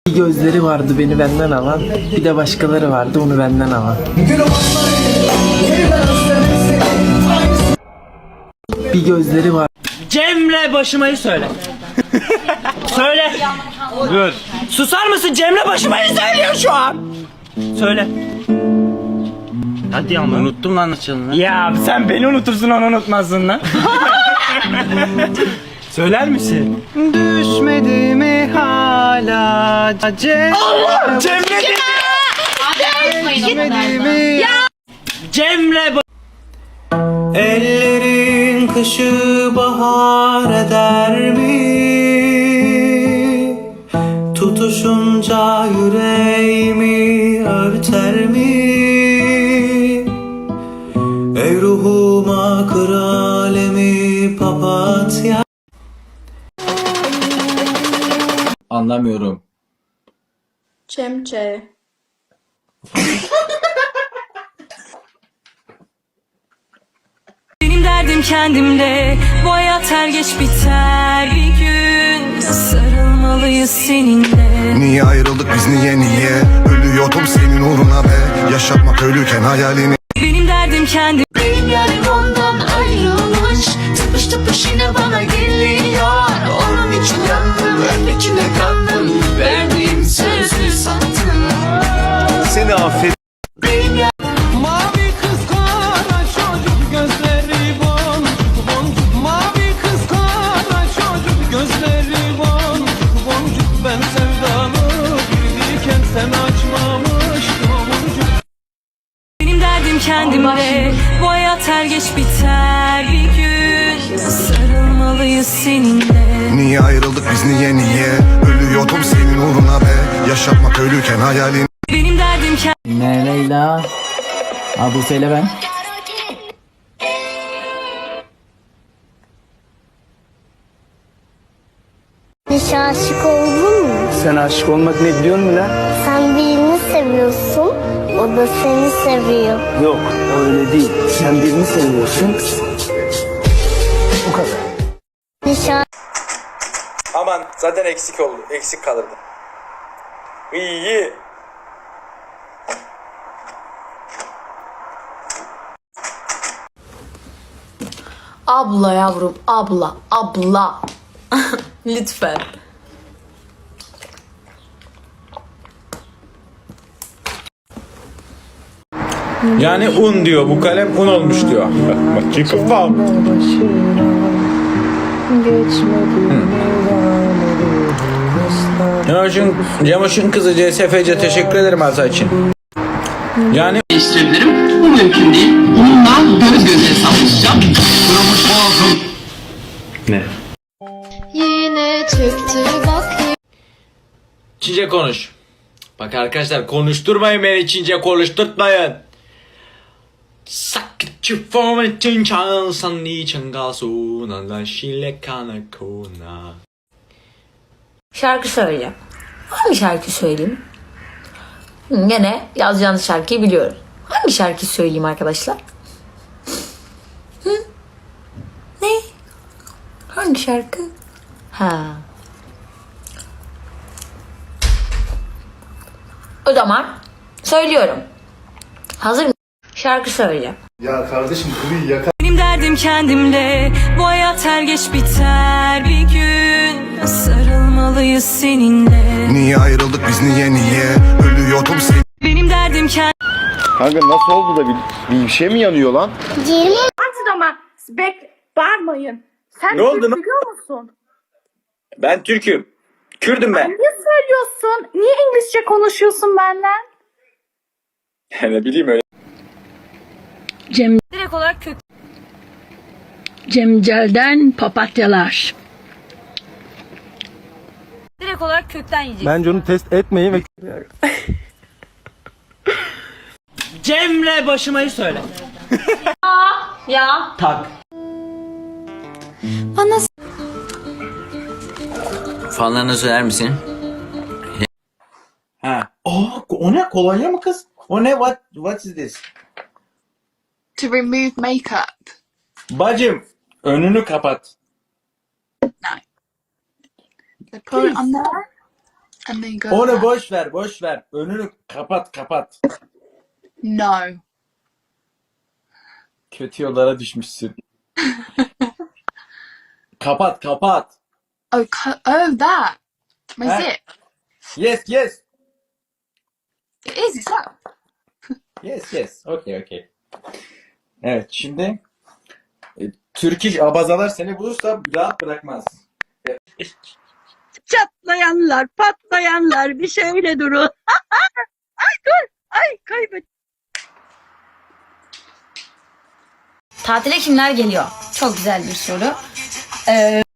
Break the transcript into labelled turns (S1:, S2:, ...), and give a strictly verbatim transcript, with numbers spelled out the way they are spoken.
S1: Bir gözleri vardı beni benden alan, bir de başkaları vardı onu benden alan. Bir gözleri var.
S2: Cemre başımayı söyle. Söyle.
S3: Dur.
S2: Susar mısın? Cemre başımayı söylüyor şu an. Söyle.
S3: Hadi ama unuttum lan açılını.
S2: Ya sen beni unutursun onu unutmazsın lan. Söyler misin?
S3: Düşmedi mi hala Cemre?
S2: Allah! Cemre dedi.
S4: Düşmedi mi?
S2: Cemre ba-
S1: Ellerin kışı bahar eder mi? Tutuşunca yüreğimi örter mi? Ey ruhuma kır alemi papatya.
S3: Anlamıyorum.
S4: Cemce.
S5: Benim derdim kendimde, bu hayat her geç biter bir gün. Sarılmalıyız seninle.
S6: Niye ayrıldık biz niye niye? Ölüyordum senin uğruna be. Yaşatmak ölüken hayalini.
S5: Benim derdim kendim.
S7: Benim yarim ondan ayrılmış. Tıpış tıpış yine bana geliyor. Onun için yandım, öndekine kandım. Verdiğim sözü sattım.
S6: Seni affet.
S7: Benim yarim
S8: Mavi kız kara çocuk gözleri boncuk boncuk. Mavi kız kara çocuk gözleri boncuk boncuk. Ben sevdalı girdiyken sen açmamıştın boncuk.
S5: Benim derdim kendimde, bu hayat her geç biter bir gün. Sarılmalıyız seninle.
S6: Niye ayrıldık biz niye niye? Ölüyordum senin uğruna be. Yaşatmak ölüken hayalini.
S5: Benim derdim kendim.
S2: Ne Leyla? Ha bu söyle ben.
S9: Hiç aşık oldun mu?
S2: Sen aşık olmak ne biliyor musun lan?
S9: Sen birini seviyorsun, o da seni seviyor.
S2: Yok öyle değil. Sen birini seviyorsun. Bu kadar.
S9: Hiç a-
S10: Aman zaten eksik oldu. Eksik kalırdı. İyi iyi.
S4: Abla yavrum, abla, abla. Lütfen.
S3: Yani un diyor, bu kalem un olmuş diyor. Bak çıkıp bal. Cemoş'un, Cemoş'un kızı C S F C teşekkür ederim arsa için. Yani
S7: değiştirebilirim. Bu mümkün değil. Bununla göz göze savaşacağım. Kırılmış boğazım.
S3: ne?
S9: Yine çıktı bak.
S3: Çince konuş. Bak arkadaşlar konuşturmayın beni, Çince konuşturtmayın. Sakıcı formen çinçan sanni çangasu nalan şile kana kona.
S4: Şarkı söyleyeceğim. Hangi şarkı söyleyeyim? Hı, Gene yazacağınız şarkıyı biliyorum. Hangi şarkı söyleyeyim arkadaşlar? Hı? Ne? Hangi şarkı? Ha. O zaman söylüyorum. Hazır mısın? Şarkı söyleyeceğim.
S6: Ya kardeşim kuruyu yakar.
S5: Benim derdim kendimde, bu hayat her geç biter bir gün. Sarılmalıyız seninle.
S6: Niye ayrıldık biz niye niye? Ölüyordum senin.
S5: Benim derdim kendim.
S6: Kanka nasıl oldu da bir, bir şey mi yanıyor lan?
S9: Ciğerimi
S11: Ama bek bağırmayın. Sen
S10: Ne oldu
S11: Türk
S10: lan?
S11: biliyor musun?
S10: Ben Türk'üm. Kürdüm ben.
S11: Niye söylüyorsun? Niye İngilizce konuşuyorsun benimle?
S10: Ne bileyim öyle.
S5: Direkt olarak kök.
S11: Cemcel'den papatyalar.
S5: Direkt olarak kökten yiyecek.
S1: Bence onu test etmeyin ve
S2: Cemre başımayı söyle.
S4: Ya.
S2: Tak.
S4: Bana
S3: Fanlarına söyler misin?
S2: Ha. Oh, o ne? Kolonya mı kız? O ne? What, what is this?
S11: To remove makeup.
S2: Bacım, önünü kapat.
S11: They put it on there And then go.
S10: Onu boş ver, boş ver. Önünü kapat, kapat.
S11: No.
S10: Kötü yollara düşmüşsün. Kapat, kapat.
S11: Oh, co- oh, that. My
S10: Huh?
S11: zip.
S10: Yes, yes.
S11: It is. It's that.
S10: Yes, yes. Okay, okay. Evet, şimdi e, Türk iş abazalar seni bulursa rahat bırakmaz.
S5: Çatlayanlar, patlayanlar bir şöyle durun. Ay dur, ay kaybet.
S4: Tatile kimler geliyor? Çok güzel bir soru. Ee,